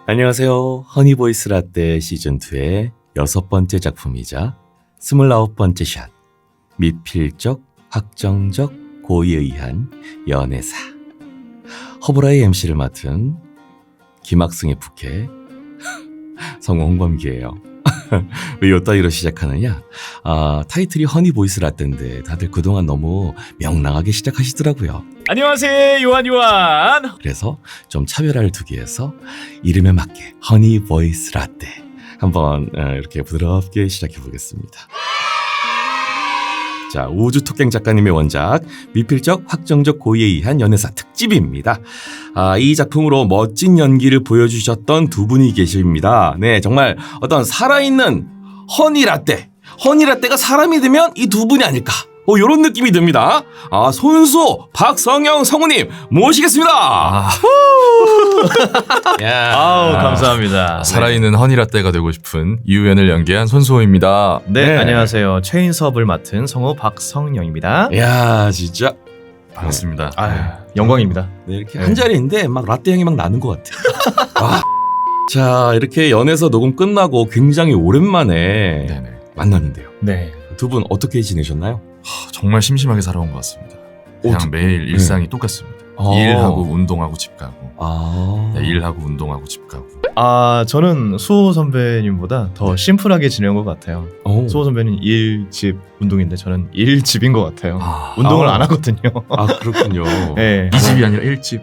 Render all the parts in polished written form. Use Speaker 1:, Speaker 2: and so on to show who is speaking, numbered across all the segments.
Speaker 1: 안녕하세요. 허니보이스 라떼 시즌2의 6번째 작품이자 29번째 샷. 미필적, 확정적, 고의에 의한 연애사. 허브라의 MC를 맡은 김학승의 부캐 성우 홍범기예요. 왜 요따위로 시작하느냐? 타이틀이 허니보이스 라떼인데 다들 그동안 너무 명랑하게 시작하시더라고요.
Speaker 2: 안녕하세요, 요한.
Speaker 1: 그래서 좀 차별화를 두기 위해서 이름에 맞게 허니보이스 라떼 한번 이렇게 부드럽게 시작해 보겠습니다. 자, 우주토깽 작가님의 원작 미필적 확정적 고의에 의한 연애사 특집입니다. 이 작품으로 멋진 연기를 보여주셨던 두 분이 계십니다. 네, 정말 어떤 살아있는 허니라떼가 사람이 되면 이 두 분이 아닐까, 이런 느낌이 듭니다. 손수 박성영 성우님 모시겠습니다.
Speaker 2: 감사합니다.
Speaker 3: 살아있는 허니라떼가 되고 싶은 이우연을 연기한 손수호입니다.
Speaker 2: 네, 안녕하세요. 최인섭을 맡은 성우 박성영입니다.
Speaker 1: 야, 진짜
Speaker 3: 반갑습니다.
Speaker 2: 영광입니다.
Speaker 1: 네, 이렇게 한 자리인데 막 라떼 향이 막 나는 것 같아요. 자, 이렇게 연애서 녹음 끝나고 굉장히 오랜만에
Speaker 3: 네네.
Speaker 1: 만났는데요.
Speaker 2: 네.
Speaker 1: 두 분 어떻게 지내셨나요?
Speaker 3: 정말 심심하게 살아온 것 같습니다. 그냥 매일 일상이 똑같습니다. 일하고 운동하고 집 가고. 일하고 운동하고 집 가고.
Speaker 2: 저는 수호 선배님보다 더 심플하게 지내온 것 같아요. 수호 선배는 일, 집, 운동인데 저는 일, 집인 것 같아요. 운동을 안 하거든요.
Speaker 1: 그렇군요.
Speaker 2: 네.
Speaker 3: 이 집이 아니라 일집.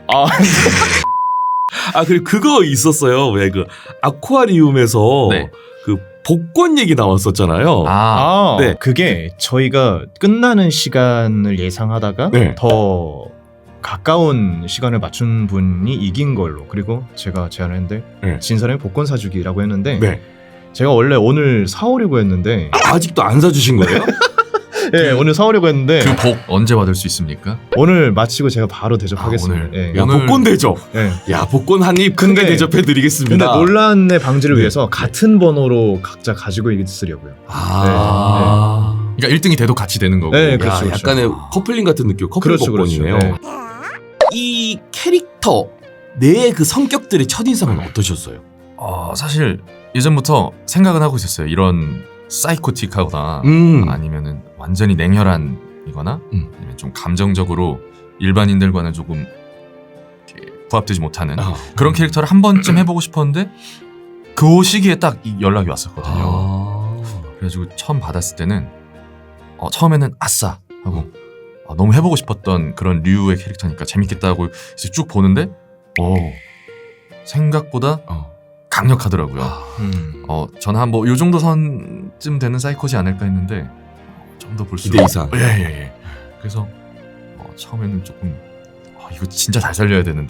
Speaker 1: 그리고 그거 있었어요. 왜 그 아쿠아리움에서
Speaker 3: 네.
Speaker 1: 그 복권 얘기 나왔었잖아요. 네.
Speaker 2: 그게 저희가 끝나는 시간을 예상하다가
Speaker 1: 네.
Speaker 2: 더 가까운 시간을 맞춘 분이 이긴 걸로, 그리고 제가 제안을 했는데
Speaker 1: 네.
Speaker 2: 진 사람이 복권 사주기라고 했는데
Speaker 1: 네.
Speaker 2: 제가 원래 오늘 사오려고 했는데
Speaker 1: 아직도 안 사주신 거예요?
Speaker 2: 네, 오늘 사오려고 했는데
Speaker 3: 그 복 언제 받을 수 있습니까?
Speaker 2: 오늘 마치고 제가 바로 대접하겠습니다.
Speaker 3: 오늘.
Speaker 2: 네.
Speaker 1: 야, 복권 대접.
Speaker 2: 네.
Speaker 1: 야, 복권 한 입 크게
Speaker 2: 근데
Speaker 1: 대접해드리겠습니다.
Speaker 2: 근데 논란의 방지를
Speaker 1: 네.
Speaker 2: 위해서 같은 번호로 각자 가지고 있으려고요.
Speaker 3: 그러니까 1등이 돼도 같이 되는 거고.
Speaker 2: 네,
Speaker 1: 야,
Speaker 2: 그렇죠, 그렇죠.
Speaker 1: 약간의 커플링 같은 느낌. 커플
Speaker 2: 그렇죠,
Speaker 1: 복권이네요.
Speaker 2: 그렇죠.
Speaker 1: 이 캐릭터 내의 그 성격들의 첫인상은 어떠셨어요?
Speaker 3: 사실 예전부터 생각은 하고 있었어요. 이런 사이코틱하거나 아니면은 완전히 냉혈한이거나 아니면 좀 감정적으로 일반인들과는 조금 이렇게 부합되지 못하는 그런 캐릭터를 한 번쯤 해보고 싶었는데 그 시기에 딱 이 연락이 왔었거든요. 그래가지고 처음 받았을 때는 처음에는 아싸 하고 너무 해보고 싶었던 그런 류의 캐릭터니까 재밌겠다 하고 이제 쭉 보는데 생각보다 강력하더라고요. 저는 한 요 정도 선쯤 되는 사이코지 않을까 했는데 좀 더 볼수록
Speaker 1: 기대 이상.
Speaker 3: 예. 그래서 처음에는 조금 이거 진짜 잘 살려야 되는데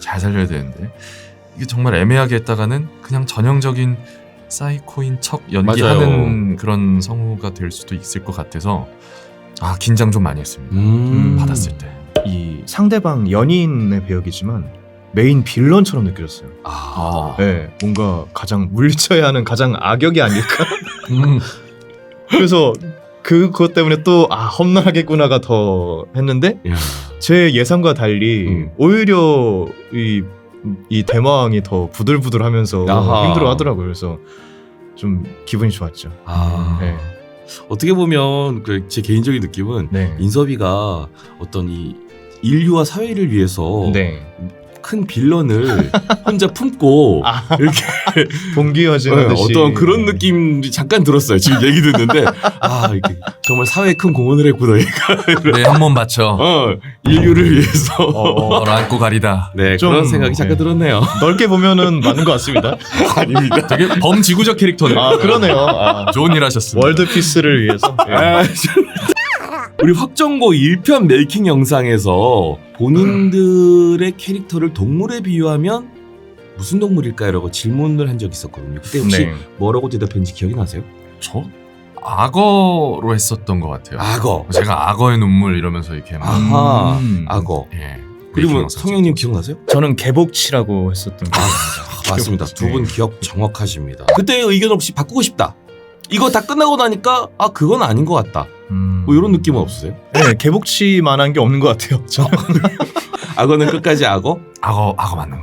Speaker 3: 이게 정말 애매하게 했다가는 그냥 전형적인 사이코인 척 연기하는
Speaker 1: 맞아요.
Speaker 3: 그런 성우가 될 수도 있을 것 같아서 긴장 좀 많이 했습니다. 받았을 때.
Speaker 2: 이 상대방 연인의 배역이지만 메인 빌런처럼 느껴졌어요. 네, 뭔가 가장 물리쳐야 하는 가장 악역이 아닐까. 그래서 그것 때문에 또 험난하겠구나가 더 했는데
Speaker 1: 야.
Speaker 2: 제 예상과 달리 오히려 이 대마왕이 더 부들부들하면서
Speaker 1: 아하.
Speaker 2: 힘들어하더라고요. 그래서 좀 기분이 좋았죠. 네.
Speaker 1: 어떻게 보면 제 개인적인 느낌은
Speaker 2: 네.
Speaker 1: 인섭이가 어떤 이 인류와 사회를 위해서
Speaker 2: 네.
Speaker 1: 큰 빌런을 혼자 품고 이렇게
Speaker 2: 동기화지는 듯이
Speaker 1: 어떤 그런 느낌이 잠깐 들었어요. 지금 얘기 듣는데 이렇게 정말 사회에 큰 공헌을 했구나 얘가.
Speaker 3: 네, 한 번 맞춰.
Speaker 1: 인류를 위해서.
Speaker 3: 너를 안고 가리다.
Speaker 1: 네,
Speaker 2: 좀,
Speaker 1: 그런 생각이 잠깐 들었네요.
Speaker 2: 넓게 보면은 맞는 것 같습니다.
Speaker 1: 아닙니다.
Speaker 3: 되게 범지구적 캐릭터네요.
Speaker 2: 그러네요.
Speaker 3: 좋은 일 하셨습니다.
Speaker 2: 월드피스를 위해서.
Speaker 1: 우리 확정고 1편 메이킹 영상에서 본인들의 캐릭터를 동물에 비유하면 무슨 동물일까요? 라고 질문을 한 적이 있었거든요. 그때 혹시 뭐라고 대답했는지 기억이 나세요?
Speaker 3: 저? 악어로 했었던 것 같아요.
Speaker 1: 악어.
Speaker 3: 제가 악어의 눈물 이러면서 이렇게 막
Speaker 1: 악어.
Speaker 3: 예.
Speaker 1: 그리고 성형님 기억나세요?
Speaker 2: 저는 개복치라고 했었던 거.
Speaker 1: 맞습니다. 두 분 기억 정확하십니다. 그때 의견 없이 바꾸고 싶다. 이거 다 끝나고 나니까 그건 아닌 것 같다. 뭐 이런 느낌은 없으세요?
Speaker 2: 네, 개복치만한 게 없는 것 같아요. 저는.
Speaker 1: 악어는 끝까지 악어?
Speaker 3: 악어 맞는 것 같습니다.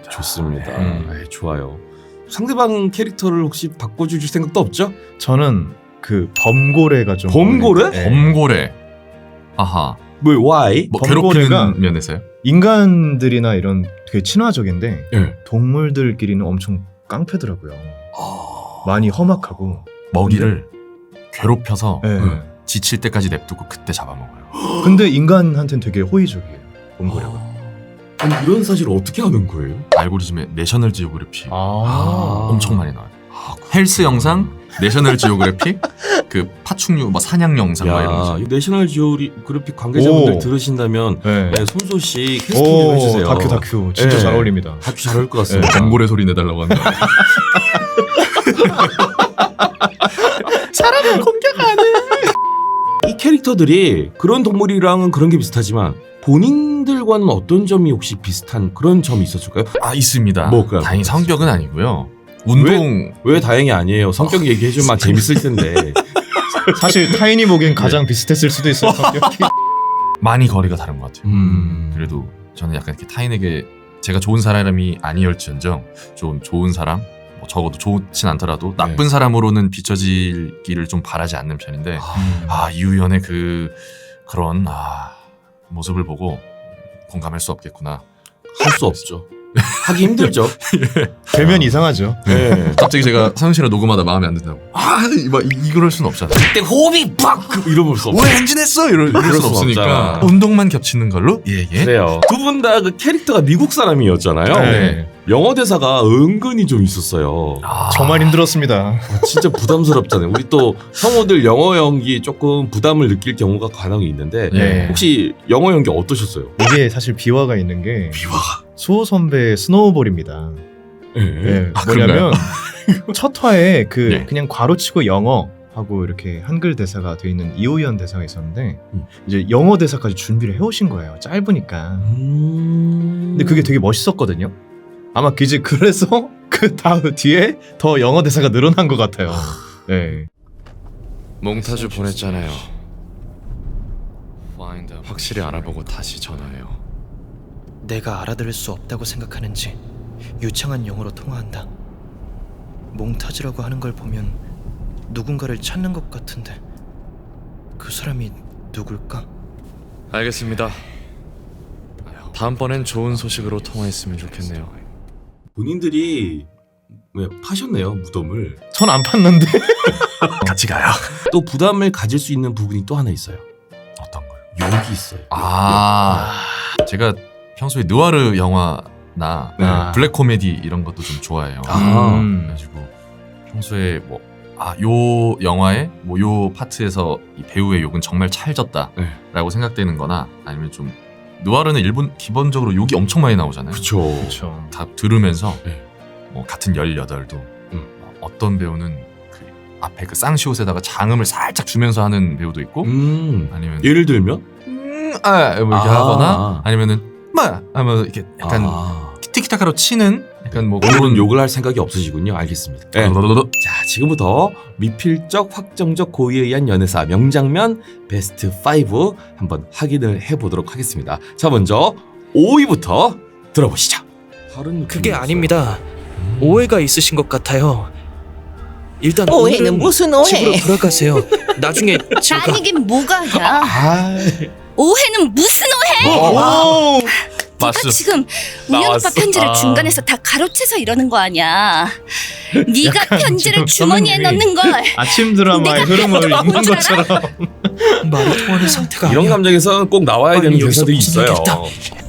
Speaker 1: 좋습니다. 좋아요. 상대방 캐릭터를 혹시 바꿔주실 생각도 없죠?
Speaker 2: 저는 그 범고래가 좀
Speaker 1: 범고래?
Speaker 2: 어울리는데,
Speaker 3: 범고래. 아하.
Speaker 1: 뭐 why?
Speaker 3: 뭐
Speaker 2: 범고래가
Speaker 3: 괴롭히는 면에서요?
Speaker 2: 인간들이나 이런 되게 친화적인데
Speaker 1: 예.
Speaker 2: 동물들끼리는 엄청 깡패더라고요. 많이 험악하고.
Speaker 3: 먹이를 괴롭혀서
Speaker 2: 예.
Speaker 3: 지칠 때까지 냅두고 그때 잡아먹어요.
Speaker 2: 근데 인간한테는 되게 호의적이에요. 범고래가.
Speaker 1: 아니 이런 사실을 어떻게 아는 거예요?
Speaker 3: 알고리즘에 내셔널 지오그래피
Speaker 2: 아.
Speaker 3: 엄청 많이 나와요. 헬스 영상, 내셔널 지오그래피, 그 파충류 뭐 사냥 영상 막 이런 거.
Speaker 1: 야, 내셔널 지오그래픽 관계자분들
Speaker 2: 오.
Speaker 1: 들으신다면
Speaker 2: 네.
Speaker 1: 네, 손소 씨 캐스팅 좀 해주세요.
Speaker 2: 다큐 진짜
Speaker 1: 네.
Speaker 2: 잘 어울립니다.
Speaker 1: 다큐 잘 어울릴 것 같습니다.
Speaker 3: 범고래 소리 내달라고 한다.
Speaker 1: 사람을 공격 안 해. 이 캐릭터들이 그런 동물이랑은 그런 게 비슷하지만 본인들과는 어떤 점이 혹시 비슷한 그런 점이 있었을까요?
Speaker 3: 아 있습니다.
Speaker 1: 뭐가요?
Speaker 3: 다행히 성격은 아니고요. 운동
Speaker 1: 왜 다행이 아니에요? 성격 얘기해주면 막 재밌을 텐데.
Speaker 2: 사실 타인이 보기엔 가장 비슷했을 수도 있어요. 성격이.
Speaker 3: 많이 거리가 다른 것 같아요.
Speaker 1: 음.
Speaker 3: 그래도 저는 약간 이렇게 타인에게 제가 좋은 사람이 아니었지언정 좀 좋은 사람, 뭐 적어도 좋진 않더라도 나쁜 사람으로는 비춰지기를 좀 바라지 않는 편인데 이우연의 그런 모습을 보고 공감할 수 없겠구나.
Speaker 1: 할 수 없죠. 하기 힘들죠.
Speaker 2: 되면 이상하죠.
Speaker 1: 네.
Speaker 3: 갑자기 제가 사연 씨랑 녹음하다 마음에 안 든다고 이럴 순 없잖아요.
Speaker 1: 그때 호흡이 팍 이러면 수 없어.
Speaker 3: 왜 행진했어? 이럴
Speaker 1: 그럴
Speaker 3: 순
Speaker 1: 순
Speaker 3: 없으니까
Speaker 1: 없잖아.
Speaker 3: 운동만 겹치는 걸로 예예.
Speaker 1: 그래요. 두 분 다 그 캐릭터가 미국 사람이었잖아요.
Speaker 3: 네.
Speaker 1: 영어 대사가 은근히 좀 있었어요.
Speaker 2: 정말 힘들었습니다.
Speaker 1: 진짜 부담스럽잖아요. 우리 또 성우들 영어 연기 조금 부담을 느낄 경우가 간혹 있는데
Speaker 3: 네.
Speaker 1: 혹시 영어 연기 어떠셨어요?
Speaker 2: 이게 사실 비화가 있는 게
Speaker 1: 비화가.
Speaker 2: 수호 선배의 스노우볼입니다. 네, 뭐냐면 첫 화에
Speaker 3: 네.
Speaker 2: 그냥 괄호치고 영어 하고 이렇게 한글 대사가 돼 있는 이호연 대사가 있었는데 이제 영어 대사까지 준비를 해오신 거예요. 짧으니까. 근데 그게 되게 멋있었거든요. 아마 이제 그래서 그 다음 뒤에 더 영어 대사가 늘어난 것 같아요. 네.
Speaker 4: 몽타주 보냈잖아요. 확실히 알아보고 다시 전화해요.
Speaker 5: 내가 알아들을 수 없다고 생각하는지 유창한 영어로 통화한다. 몽타주라고 하는 걸 보면 누군가를 찾는 것 같은데 그 사람이 누굴까?
Speaker 4: 알겠습니다. 다음번엔 좋은 소식으로 통화했으면 좋겠네요.
Speaker 1: 본인들이 왜 파셨네요 무덤을.
Speaker 2: 전 안 팠는데.
Speaker 3: 같이 가요.
Speaker 1: 또 부담을 가질 수 있는 부분이 또 하나 있어요.
Speaker 3: 어떤 거요?
Speaker 1: 욕이 있어요.
Speaker 3: 제가 평소에 느와르 영화나
Speaker 1: 네.
Speaker 3: 블랙 코미디 이런 것도 좀 좋아해요. 그래가지고 평소에 요 영화의 요 파트에서 이 배우의 욕은 정말 찰졌다라고 생각되는 거나 아니면 좀 느와르는 일본 기본적으로 욕이 엄청 많이 나오잖아요.
Speaker 1: 그렇죠.
Speaker 3: 다 들으면서
Speaker 1: 네.
Speaker 3: 뭐 같은 18도 어떤 배우는 그 앞에 그 쌍시옷에다가 장음을 살짝 주면서 하는 배우도 있고 아니면
Speaker 1: 예를 들면
Speaker 3: 뭐 이렇게 하거나 아니면은 하면 이렇게 약간 티키타카로 치는 약간 뭐
Speaker 1: 오늘은
Speaker 3: 그런
Speaker 1: 욕을 할 생각이 없으시군요. 알겠습니다. 네. 자, 지금부터 미필적 확정적 고의에 의한 연애사 명장면 베스트 5 한번 확인을 해보도록 하겠습니다. 자, 먼저 5위부터 들어보시죠. 다른
Speaker 5: 그게
Speaker 1: 느낌이었어요.
Speaker 5: 아닙니다. 오해가 있으신 것 같아요. 일단
Speaker 6: 오해는
Speaker 5: 오늘은
Speaker 6: 무슨 오해?
Speaker 5: 집으로 돌아가세요. 나중에 제가
Speaker 6: 아니긴 뭐가야?
Speaker 1: 아,
Speaker 6: 오해는 무슨 오해?
Speaker 2: 오!
Speaker 6: 네가 지금 우연 오빠
Speaker 1: 나왔어.
Speaker 6: 편지를 중간에서 다 가로채서 이러는 거 아니야? 네가
Speaker 2: 약간
Speaker 6: 편지를
Speaker 2: 지금
Speaker 6: 주머니에
Speaker 2: 선생님이
Speaker 6: 넣는 걸
Speaker 2: 아침 드라마의 흐름을 읽는
Speaker 6: 줄
Speaker 2: 것처럼.
Speaker 5: 말이 통하는 상태가
Speaker 1: 이런
Speaker 5: 아니야.
Speaker 1: 감정에서는 꼭 나와야 되는
Speaker 5: 아니, 여기서
Speaker 1: 대사도
Speaker 5: 무슨
Speaker 1: 있어요.
Speaker 5: 얘기했다.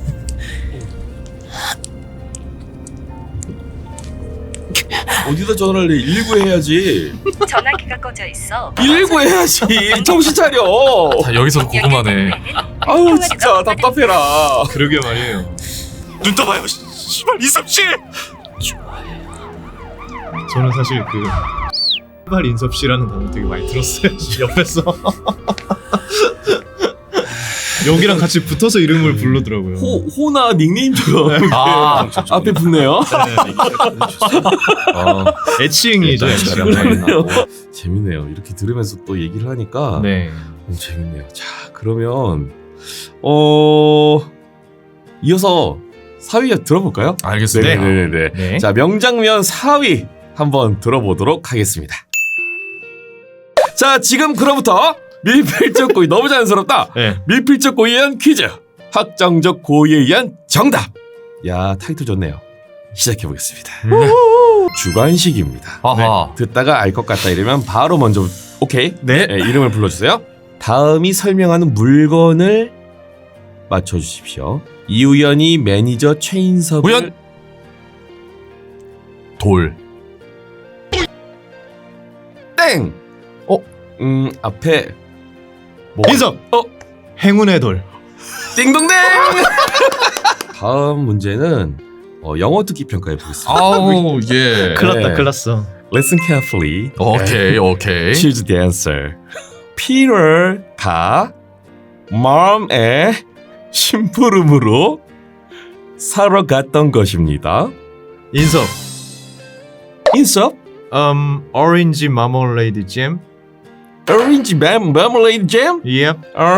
Speaker 1: 어디다 전화를 해? 119 해야지.
Speaker 6: 전화기가 꺼져 있어.
Speaker 1: 119 해야지. 정신 차려.
Speaker 3: 다 여기서 궁금하네.
Speaker 1: 아우 진짜 답답해라.
Speaker 2: 그러게 말이에요.
Speaker 3: 눈 떠봐요. 씨발 이섭씨.
Speaker 2: 저는 사실 그 X발 인섭 씨라는 단어 되게 많이 들었어요. 옆에서. 여기랑 같이 붙어서 이름을 부르더라고요.
Speaker 1: 호나 닉네임처럼 이렇게 앞에 붙네요.
Speaker 2: 애칭이죠.
Speaker 1: 그러네요. 재밌네요. 이렇게 들으면서 또 얘기를 하니까
Speaker 2: 네.
Speaker 1: 재밌네요. 자, 그러면 이어서 4위 들어볼까요?
Speaker 3: 알겠습니다.
Speaker 1: 네네네.
Speaker 2: 네.
Speaker 1: 자, 명장면 4위 한번 들어보도록 하겠습니다. 자, 지금 그로부터 밀필적 고의 너무 자연스럽다.
Speaker 2: 네.
Speaker 1: 밀필적 고의에 의한 퀴즈. 확정적 고의에 의한 정답. 야, 타이틀 좋네요. 시작해 보겠습니다. 주관식입니다.
Speaker 3: 아하.
Speaker 1: 네, 듣다가 알 것 같다 이러면 바로 먼저 오케이.
Speaker 2: 네.
Speaker 1: 네, 이름을 불러주세요. 다음이 설명하는 물건을 맞춰주십시오. 이우연이 매니저 최인섭을
Speaker 3: 우연! 돌.
Speaker 1: 땡. 앞에 뭐
Speaker 2: 인섭. 행운의 돌.
Speaker 1: 띵동댕. 다음 문제는 영어 듣기 평가해 보겠습니다.
Speaker 3: 아우 예.
Speaker 2: 큰일 났어.
Speaker 1: Listen carefully.
Speaker 3: 오케이.
Speaker 1: Choose the answer. 피터가 맘의 심부름으로 사러 갔던 것입니다.
Speaker 2: 인섭.
Speaker 1: 인섭?
Speaker 2: 오렌지 마멀레이드 잼.
Speaker 1: 오렌지 마멀레이드 잼?
Speaker 2: Yep.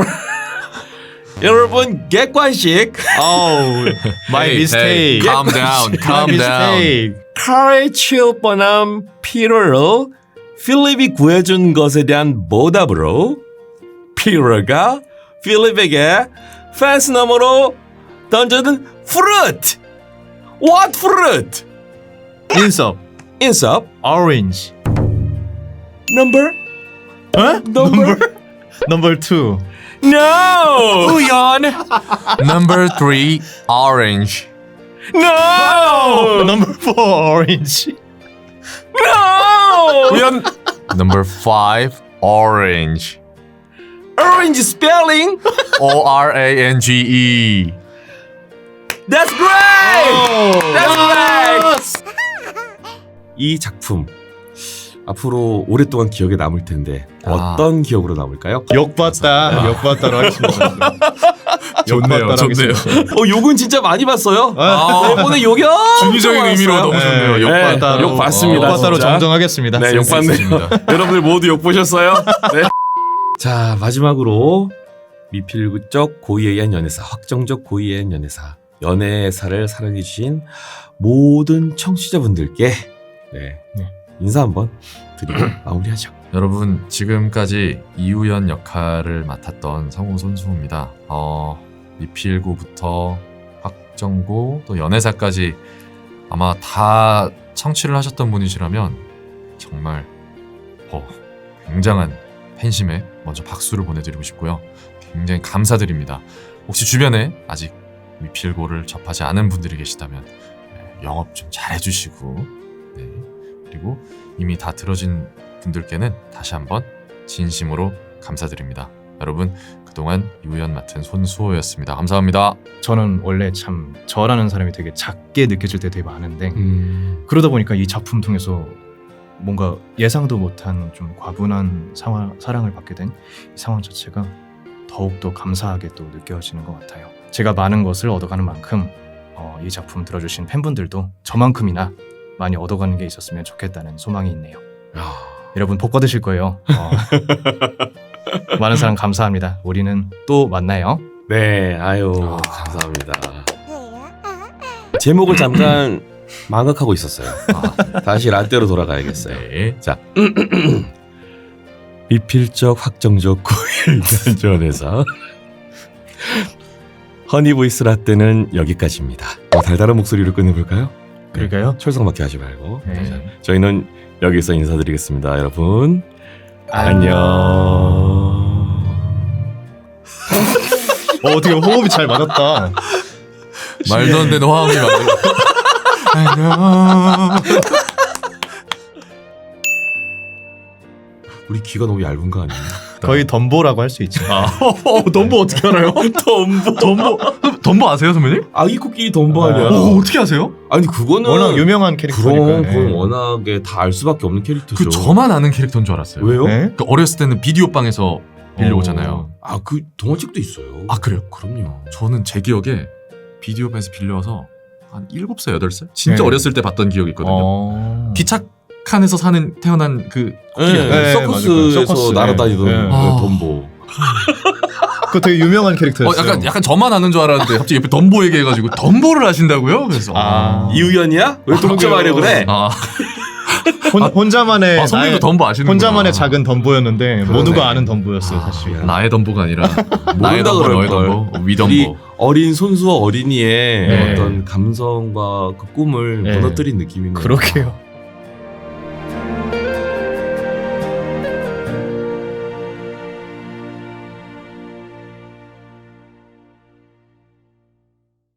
Speaker 1: 여러분 객관식.
Speaker 2: My mistake.
Speaker 3: Calm down. Calm down.
Speaker 1: 칼에 치울 뻔한 피터를 필립이 구해준 것에 대한 보답으로 피터가 필립에게 펜스 너머로 던져둔 fruit. What fruit?
Speaker 2: 인섭.
Speaker 1: 인섭.
Speaker 2: Orange.
Speaker 1: Number?
Speaker 2: Number 2.
Speaker 1: No.
Speaker 3: 우연. Number 3 orange.
Speaker 1: No.
Speaker 2: Number 4 orange.
Speaker 1: No.
Speaker 3: 우연. Number 5 orange.
Speaker 1: Orange spelling.
Speaker 3: ORANGE.
Speaker 1: That's great. That's right. 이 작품 앞으로 오랫동안 기억에 남을 텐데 어떤 기억으로 남을까요?
Speaker 2: 욕봤다로 하겠습니다.
Speaker 3: 좋네요.
Speaker 1: 욕은 진짜 많이 봤어요. 이번에 욕이
Speaker 3: 중의적인 의미로 너무 좋네요.
Speaker 1: 욕봤다로. 욕 봤습니다.
Speaker 2: 욕봤다로
Speaker 1: 진짜.
Speaker 2: 정정하겠습니다.
Speaker 1: 네, 욕 봤네요. 여러분들 모두 욕 보셨어요? 네. 자, 마지막으로 미필적 고의에 의한 연애사, 확정적 고의에 의한 연애사를 사랑해주신 모든 청취자분들께 네. 인사 한번 드리고 마무리하죠.
Speaker 3: 여러분 지금까지 이우연 역할을 맡았던 성우 손수호입니다. 미필고부터 확정고 또 연애사까지 아마 다 청취를 하셨던 분이시라면 정말 굉장한 팬심에 먼저 박수를 보내드리고 싶고요. 굉장히 감사드립니다. 혹시 주변에 아직 미필고를 접하지 않은 분들이 계시다면 영업 좀 잘해주시고 그리고 이미 다 들어진 분들께는 다시 한번 진심으로 감사드립니다. 여러분 그동안 이우연 맡은 손수호였습니다. 감사합니다.
Speaker 2: 저는 원래 참 저라는 사람이 되게 작게 느껴질 때 되게 많은데 그러다 보니까 이 작품 통해서 뭔가 예상도 못한 좀 과분한 사랑을 받게 된 이 상황 자체가 더욱더 감사하게 또 느껴지는 것 같아요. 제가 많은 것을 얻어가는 만큼 이 작품 들어주신 팬분들도 저만큼이나 많이 얻어가는 게 있었으면 좋겠다는 소망이 있네요. 여러분 복 받으실 거예요. 많은 사랑 감사합니다. 우리는 또 만나요.
Speaker 1: 네, 아유 감사합니다. 제목을 잠깐 망각하고 있었어요. 다시 라떼로 돌아가야겠어요.
Speaker 3: 네.
Speaker 1: 자, 미필적 확정적 고의에 의한 연애사 허니보이스 라떼는 여기까지입니다. 달달한 목소리로 끝내볼까요?
Speaker 2: 그럴까요?
Speaker 1: 철성맞게 하지 말고.
Speaker 2: 네.
Speaker 1: 자, 저희는 여기서 인사드리겠습니다. 여러분 안녕.
Speaker 2: 어떻게 호흡이 잘 맞았다.
Speaker 3: 말도 안 되는 화음이 만들어.
Speaker 1: 우리 귀가 너무 얇은 거 아니에요?
Speaker 2: 거의 덤보라고 할 수 있죠.
Speaker 3: 덤보 어떻게 알아요? 덤보 아세요 선배님?
Speaker 1: 아기 코끼리 덤보 아니야?
Speaker 3: 어떻게 아세요?
Speaker 1: 아니 그거는
Speaker 2: 워낙 유명한 캐릭터니까.
Speaker 1: 그건 워낙에 다 알 수밖에 없는 캐릭터죠.
Speaker 3: 그 저만 아는 캐릭터인 줄 알았어요.
Speaker 1: 왜요?
Speaker 2: 네?
Speaker 3: 그 어렸을 때는 비디오 방에서 빌려오잖아요.
Speaker 1: 아, 그 동화책도 있어요.
Speaker 3: 아 그래요?
Speaker 1: 그럼요.
Speaker 3: 저는 제 기억에 비디오 방에서 빌려와서 한 7살, 8살? 진짜
Speaker 2: 네.
Speaker 3: 어렸을 때 봤던 기억이 있거든요. 기착칸에서 사는 태어난 그 코끼리
Speaker 1: 네,
Speaker 3: 아니에요?
Speaker 1: 서커스에서
Speaker 2: 서커스.
Speaker 1: 날아다니던
Speaker 2: 네.
Speaker 1: 그 덤보.
Speaker 2: 그거 되게 유명한 캐릭터였어요.
Speaker 3: 약간 저만 아는 줄 알았는데 갑자기 옆에 덤보 얘기해가지고 덤보를 하신다고요? 그래서
Speaker 1: 이우연이야? 왜 독점하려 그래?
Speaker 2: 혼자만의
Speaker 3: 선배도 덤보 아시는구나.
Speaker 2: 혼자만의 작은 덤보였는데 모두가 아는 덤보였어요 사실.
Speaker 3: 나의 덤보가 아니라 나의 덤보, 너의 덤보,
Speaker 1: 우리
Speaker 3: 위덤보.
Speaker 1: 어린 손수와 어린이의
Speaker 2: 네.
Speaker 1: 어떤 감성과 그 꿈을
Speaker 2: 네.
Speaker 1: 무너뜨린 느낌이네요.
Speaker 2: 그러게요.